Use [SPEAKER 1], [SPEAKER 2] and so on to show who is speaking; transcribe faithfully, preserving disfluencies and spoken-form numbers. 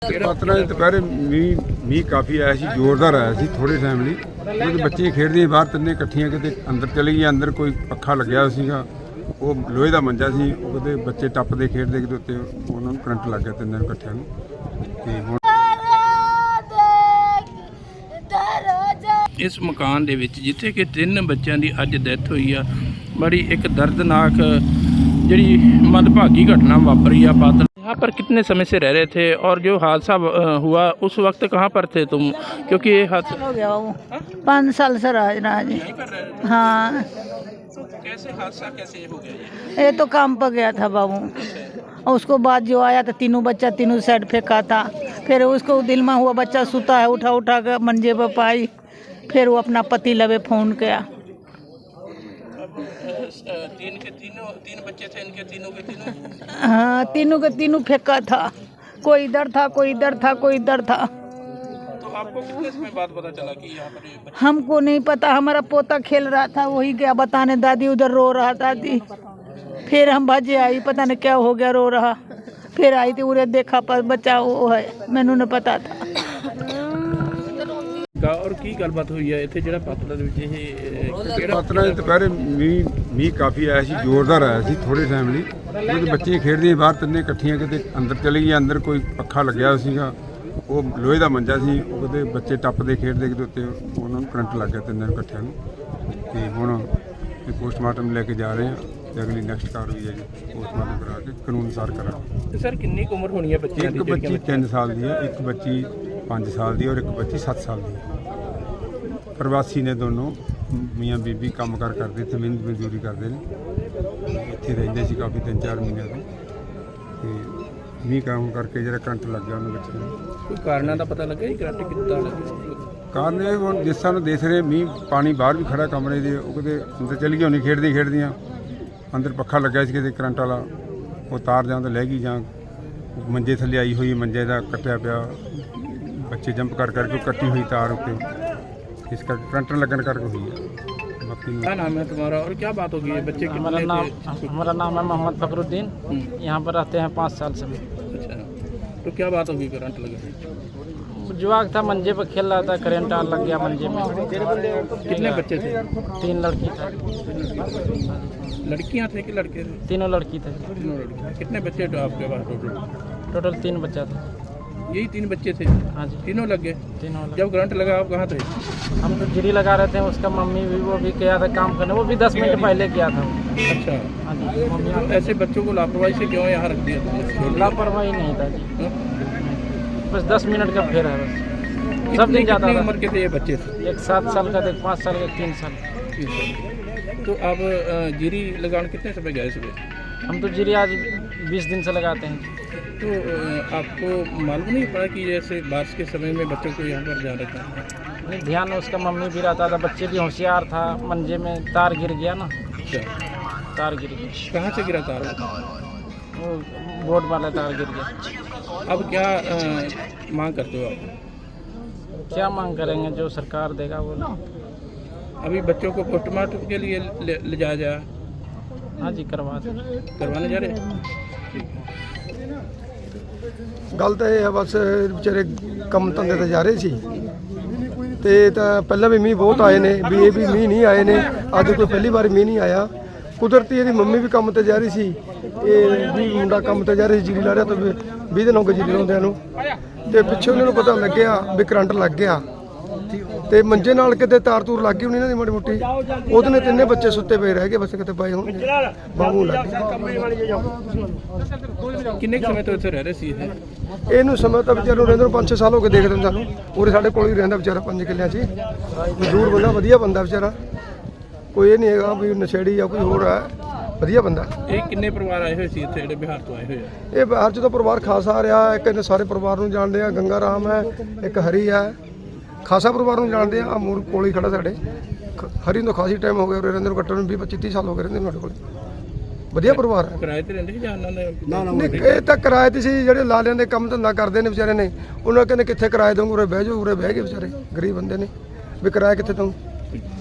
[SPEAKER 1] ਸਤਨਾ ਦੇ ਦੁਪਹਿਰੇ ਮੀਂਹ ਮੀਂਹ ਕਾਫੀ ਆਇਆ ਸੀ, ਜ਼ੋਰਦਾਰ ਆਇਆ ਸੀ ਥੋੜੇ ਟਾਈਮ ਲਈ। ਉਹਦੇ ਬੱਚੇ ਖੇਡਦੇ ਬਾਹਰ ਤਿੰਨੇ ਇਕੱਠੀਆਂ, ਕਿਤੇ ਅੰਦਰ ਚਲੀ ਗਈਆਂ। ਅੰਦਰ ਕੋਈ ਪੱਖਾ ਲੱਗਿਆ ਸੀਗਾ, ਉਹ ਲੋਹੇ ਦਾ ਮੰਜਾ ਸੀ, ਉਹਦੇ ਬੱਚੇ ਟੱਪਦੇ ਖੇਡਦੇ ਕਿਤੇ ਉੱਤੇ ਉਹਨਾਂ ਨੂੰ ਕਰੰਟ ਲੱਗ ਗਿਆ ਤਿੰਨਾਂ ਨੂੰ ਇਕੱਠਿਆਂ ਨੂੰ। ਤੇ ਹੁਣ
[SPEAKER 2] ਇਸ ਮਕਾਨ ਦੇ ਵਿੱਚ ਜਿੱਥੇ ਕਿ ਤਿੰਨ ਬੱਚਿਆਂ ਦੀ ਅੱਜ ਡੈਥ ਹੋਈ ਆ, बड़ी एक दर्दनाक जड़ी मंदभागी घटना वापरी है। बादल यहाँ पर कितने समय से रह रहे थे और जो हादसा हुआ उस वक्त कहाँ पर थे तुम? क्योंकि ये हादसा
[SPEAKER 3] हो गया वो पाँच साल से राज राज हाँ।
[SPEAKER 2] कैसे हादसा कैसे हो गया?
[SPEAKER 3] ये तो काम पर गया था बाबू, और उसको बाद जो आया तो तीनों बच्चा तीनों साइड फेंका था। फिर उसको दिल में हुआ बच्चा सुता है, उठा उठा कर मंजे पर पाई। फिर वो अपना पति लवे फ़ोन किया।
[SPEAKER 2] तीन के तीनों तीन बच्चे थे, इनके तीनों के तीनों
[SPEAKER 3] हाँ तीनों के तीनों फेंका था। कोई इधर था, कोई इधर था, कोई इधर था।
[SPEAKER 2] तो आपको कितने समय बाद पता चला कि यहाँ पर ये बच्चे?
[SPEAKER 3] हमको नहीं पता, हमारा पोता खेल रहा था, वही गया बताने दादी उधर रो रहा दादी। फिर हम भाजे आई, पता नहीं क्या हो गया, रो रहा। फिर आई थी उरे देखा पर बच्चा वो है, मैनू नहीं पता था।
[SPEAKER 2] और की गलबात हुई है इत्थे जेड़ा पातला दे विच ਇਹ
[SPEAKER 1] ਸਤਨਾ ਦੇ ਦੁਪਹਿਰੇ ਮੀਂਹ ਮੀਂਹ ਕਾਫੀ ਆਇਆ ਸੀ, ਜ਼ੋਰਦਾਰ ਆਇਆ ਸੀ ਥੋੜੇ ਟਾਈਮ ਲਈ। ਉਹਦੇ ਬੱਚੇ ਖੇਡਦੇ ਬਾਹਰ ਤਿੰਨੇ ਇਕੱਠੀਆਂ, ਕਿਤੇ ਅੰਦਰ ਚਲੀ ਗਈਆਂ। ਅੰਦਰ ਕੋਈ ਪੱਖਾ ਲੱਗਿਆ ਸੀਗਾ, ਉਹ ਲੋਹੇ ਦਾ ਮੰਜਾ ਸੀ, ਉਹਦੇ ਬੱਚੇ ਟੱਪਦੇ ਖੇਡਦੇ ਕਿਤੇ ਉੱਤੇ ਉਹਨਾਂ ਨੂੰ ਕਰੰਟ ਲੱਗ ਗਿਆ ਤਿੰਨਾਂ ਨੂੰ ਇਕੱਠਿਆਂ ਨੂੰ। ਤੇ ਹੁਣ ਇਹ ਪੋਸਟਮਾਰਟਮ ਲੈ ਕੇ ਜਾ ਰਹੇ ਹਾਂ ਤੇ ਅਗਲੀ ਨੈਕਸਟ ਕਾਰਵਾਈ ਹੈ ਜੀ ਪੋਸਟਮਾਰਟਮ ਕਰਾ ਕੇ ਕਾਨੂੰਨ ਅਨੁਸਾਰ ਕਰਾਂਗੇ।
[SPEAKER 2] ਸਰ ਕਿੰਨੀ ਕੁ ਉਮਰ ਹੋਣੀ ਹੈ ਬੱਚਿਆਂ ਦੀ?
[SPEAKER 1] ਇੱਕ ਬੱਚੀ ਤਿੰਨ ਸਾਲ ਦੀ ਹੈ, ਇੱਕ ਬੱਚੀ ਪੰਜ ਸਾਲ ਦੀ ਔਰ ਇੱਕ ਬੱਚੀ ਸੱਤ ਸਾਲ ਦੀ ਹੈ। ਪ੍ਰਵਾਸੀ ਨੇ ਦੋਨੋਂ, ਮੀਆਂ ਬੀਬੀ ਕੰਮ ਕਾਰ ਕਰਦੇ, ਇੱਥੇ ਮਿਹਨਤ ਮਜ਼ਦੂਰੀ ਕਰਦੇ ਨੇ, ਇੱਥੇ ਰਹਿੰਦੇ ਸੀ ਕਾਫੀ ਤਿੰਨ ਚਾਰ ਮਹੀਨਿਆਂ ਤੋਂ। ਤੇ ਮੀਂਹ ਕੰਮ ਕਰਕੇ ਜਿਹੜਾ ਕਰੰਟ ਲੱਗ ਗਿਆ ਉਹਨਾਂ ਬੱਚਿਆਂ ਨੂੰ।
[SPEAKER 2] ਕੋਈ ਕਾਰਨਾਂ ਦਾ ਪਤਾ ਲੱਗਿਆ ਕਰੰਟ ਕਿੱਦਾਂ ਲੱਗਿਆ?
[SPEAKER 1] ਕਾਰਨ ਇਹ ਹੁਣ ਜਿਸ ਤਰ੍ਹਾਂ ਦੇਖ ਰਹੇ ਮੀਂਹ ਪਾਣੀ ਬਾਹਰ ਵੀ ਖੜਾ ਕਮਰੇ ਦੇ, ਉਹ ਕਿਤੇ ਅੰਦਰ ਚਲੀ ਗਈ ਹੋਣੀ ਖੇਡਦੀ ਖੇਡਦੀਆਂ। ਅੰਦਰ ਪੱਖਾ ਲੱਗਿਆ ਸੀ ਕਿਤੇ ਕਰੰਟ ਵਾਲਾ, ਉਹ ਤਾਰ ਜਾਂ ਤਾਂ ਲੈ ਗਈ ਜਾਂ ਮੰਜੇ ਥੱਲੇ ਆਈ ਹੋਈ, ਮੰਜੇ ਦਾ ਕੱਟਿਆ ਪਿਆ, ਬੱਚੇ ਜੰਪ ਕਰ ਕਰਕੇ ਕੱਟੀ ਹੋਈ ਤਾਰ ਉੱਤੇ, इस का करंट लगन करके हुई है। बाकी
[SPEAKER 2] क्या नाम है तुम्हारा और क्या बात होगी? बच्चे
[SPEAKER 4] हमारा नाम हमारा नाम है मोहम्मद फखरुद्दीन, यहाँ पर रहते हैं पाँच साल से।
[SPEAKER 2] अच्छा, तो क्या बात होगी करंट लगे?
[SPEAKER 4] जुआक था, मंजे पर खेल रहा था, करंट लग गया मंजे में।
[SPEAKER 2] कितने बच्चे थे?
[SPEAKER 4] तीन लड़की थे।
[SPEAKER 2] लड़कियाँ थे कि लड़के थे?
[SPEAKER 4] तीनों लड़की थे।
[SPEAKER 2] तीनों लड़की। कितने बच्चे थे आपके पास टोटल?
[SPEAKER 4] टोटल तीन बच्चा था।
[SPEAKER 2] यही तीन बच्चे थे?
[SPEAKER 4] हाँ जी,
[SPEAKER 2] तीनों लग गए।
[SPEAKER 4] तीनों लग।
[SPEAKER 2] जब करंट लगा आप कहाँ थे?
[SPEAKER 4] हम तो गिरी लगा रहे थे, उसका मम्मी भी वो भी गया था काम करने, वो भी दस मिनट पहले गया था।
[SPEAKER 2] अच्छा,
[SPEAKER 4] हाँ जी। मम्मी
[SPEAKER 2] तो ऐसे बच्चों को लापरवाही से क्यों यहाँ रख दिया तुमने?
[SPEAKER 4] लापरवाही नहीं था जी, बस दस मिनट का फेर है बस। सब दिन जाता था।
[SPEAKER 2] उम्र के थे ये बच्चे?
[SPEAKER 4] एक सात साल का था, एक पाँच साल का, एक तीन साल।
[SPEAKER 2] तो आप जीरी लगाने कितने समय गए सुबह?
[SPEAKER 4] हम तो जीरी आज बीस दिन से लगाते हैं।
[SPEAKER 2] तो आपको मालूम नहीं पड़ा कि जैसे बारिश के समय में बच्चों को यहाँ पर जाना था?
[SPEAKER 4] नहीं, ध्यान उसका मम्मी भी रहता था, बच्चे भी होशियार था। मंजे में तार गिर गया ना।
[SPEAKER 2] अच्छा,
[SPEAKER 4] तार गिर गया।
[SPEAKER 2] कहाँ से गिरा तार?
[SPEAKER 4] वो बोर्ड वाला तार गिर गया।
[SPEAKER 2] अब क्या आ, मांग करते हो आप?
[SPEAKER 4] क्या मांग करेंगे, जो सरकार देगा वो ना।
[SPEAKER 2] अभी बच्चों को पोस्टमार्टम के लिए ले, ले जाया जा?
[SPEAKER 4] हाँ जी, करवा दें।
[SPEAKER 2] करवाने जा रहे हैं?
[SPEAKER 5] ਗੱਲ ਤਾਂ ਇਹ ਹੈ ਬਸ ਵਿਚਾਰੇ ਕੰਮ ਧੰਦੇ ਤੇ ਜਾ ਰਹੇ ਸੀ ਤੇ ਤਾਂ ਪਹਿਲਾਂ ਵੀ ਮੀਂਹ ਬਹੁਤ ਆਏ ਨੇ, ਵੀ ਇਹ ਵੀ ਮੀਂਹ ਨਹੀਂ ਆਏ ਨੇ, ਅੱਜ ਕੋਈ ਪਹਿਲੀ ਵਾਰ ਮੀਂਹ ਨਹੀਂ ਆਇਆ। ਕੁਦਰਤੀ ਇਹਦੀ ਮੰਮੀ ਵੀ ਕੰਮ ਤੇ ਜਾ ਰਹੀ ਸੀ, ਇਹ ਵੀ ਮੁੰਡਾ ਕੰਮ ਤੇ ਜਾ ਰਿਹਾ ਸੀ, ਜੀਰੀ ਲਾ ਰਿਹਾ ਤਾਂ ਵੀਹ ਦਿਨ ਹੋ ਗਏ ਜੀਰੀ ਲਾਉਂਦਿਆਂ ਨੂੰ। ਤੇ ਪਿੱਛੇ ਉਹਨਾਂ ਨੂੰ ਪਤਾ ਲੱਗਿਆ ਵੀ ਕਰੰਟ ਲੱਗ ਗਿਆ ਤੇ ਮੰਜੇ ਨਾਲ ਕਿਤੇ ਤਾਰ ਤੂਰ ਲੱਗ ਗਈ ਹੋਣੀ ਇਹਨਾਂ ਦੀ ਮਾੜੀ ਮੋਟੀ, ਉਹਦੇ ਨੇ ਤਿੰਨੇ ਬੱਚੇ ਸੁੱਤੇ ਪਏ ਰਹਿ ਗਏ, ਬਸ ਕਿਤੇ ਪਏ ਹੋਣਗੇ ਬਾਹੂ ਲੱਗ ਗਏ।
[SPEAKER 2] ਕਿੰਨੇ ਸਮੇਂ ਤੋਂ ਇੱਥੇ ਰਹਿ ਰਹੇ ਸੀ ਇਹ?
[SPEAKER 5] ਇਹਨੂੰ ਸਮਾਂ ਤਾਂ ਵਿਚਾਰੇ ਨੂੰ ਰਹਿੰਦੇ ਨੂੰ ਪੰਜ ਛੇ ਸਾਲ ਹੋ ਗਏ ਦੇਖਦੇ ਨੂੰ ਸਾਨੂੰ। ਉਰੇ ਸਾਡੇ ਕੋਲ ਹੀ ਰਹਿੰਦਾ ਵਿਚਾਰਾ ਪੰਜ ਕਿੱਲਿਆਂ 'ਚ, ਮਜ਼ਦੂਰ ਬੰਦਾ, ਵਧੀਆ ਬੰਦਾ ਵਿਚਾਰਾ, ਕੋਈ ਇਹ ਨਹੀਂ ਹੈਗਾ ਵੀ ਨਸ਼ੇੜੀ ਜਾਂ ਕੋਈ ਹੋਰ ਹੈ, ਵਧੀਆ ਬੰਦਾ।
[SPEAKER 2] ਇਹ ਕਿੰਨੇ ਪਰਿਵਾਰ ਆਏ ਹੋਏ ਸੀ ਇੱਥੇ ਜਿਹੜੇ ਬਿਹਾਰ ਤੋਂ ਆਏ ਹੋਏ ਆ?
[SPEAKER 5] ਇਹ ਬਿਹਾਰ 'ਚ ਤਾਂ ਪਰਿਵਾਰ ਖਾਸਾ ਰਿਹਾ, ਇੱਕ ਇਹਨੇ ਸਾਰੇ ਪਰਿਵਾਰ ਨੂੰ ਜਾਣਦੇ ਆ, ਗੰਗਾ ਰਾਮ ਹੈ, ਇੱਕ ਹਰੀ ਹੈ, ਖਾਸਾ ਪਰਿਵਾਰ ਨੂੰ ਜਾਣਦੇ ਆ। ਮੂਰ ਕੋਲ ਹੀ ਖੜਾ ਸਾਡੇ, ਹਰੀ ਨੂੰ ਖਾਸੀ ਟਾਈਮ ਹੋ ਗਿਆ ਉਰੇ ਰਹਿੰਦੇ ਨੂੰ, ਘੱਟੋ ਵੀਹ ਪੱਚੀ ਤੀਹ ਸਾਲ ਹੋ ਗਏ ਰਹਿੰਦੇ ਸਾਡੇ ਕੋਲ, ਵਧੀਆ ਪਰਿਵਾਰ ਹੈ।
[SPEAKER 2] ਕਿਰਾਏ ਤੇ ਰਹਿੰਦੇ ਸੀ ਜਾਂ ਉਹਨਾਂ ਨੇ?
[SPEAKER 5] ਨਹੀਂ, ਇਹ ਤਾਂ ਕਿਰਾਏ ਤੇ ਸੀ, ਜਿਹੜੇ ਲਾਲਿਆਂ ਦੇ ਕੰਮ ਧੰਦਾ ਕਰਦੇ ਨੇ ਵਿਚਾਰੇ ਨੇ, ਉਹਨਾਂ ਕਹਿੰਦੇ ਕਿੱਥੇ ਕਿਰਾਏ ਦਊਂਗੇ, ਉਰੇ ਬਹਿ ਜਾਓ, ਉਰੇ ਬਹਿ ਗਏ ਵਿਚਾਰੇ, ਗਰੀਬ ਬੰਦੇ ਨੇ, ਵੀ ਕਿਰਾਇਆ ਕਿੱਥੇ ਦਊਂ।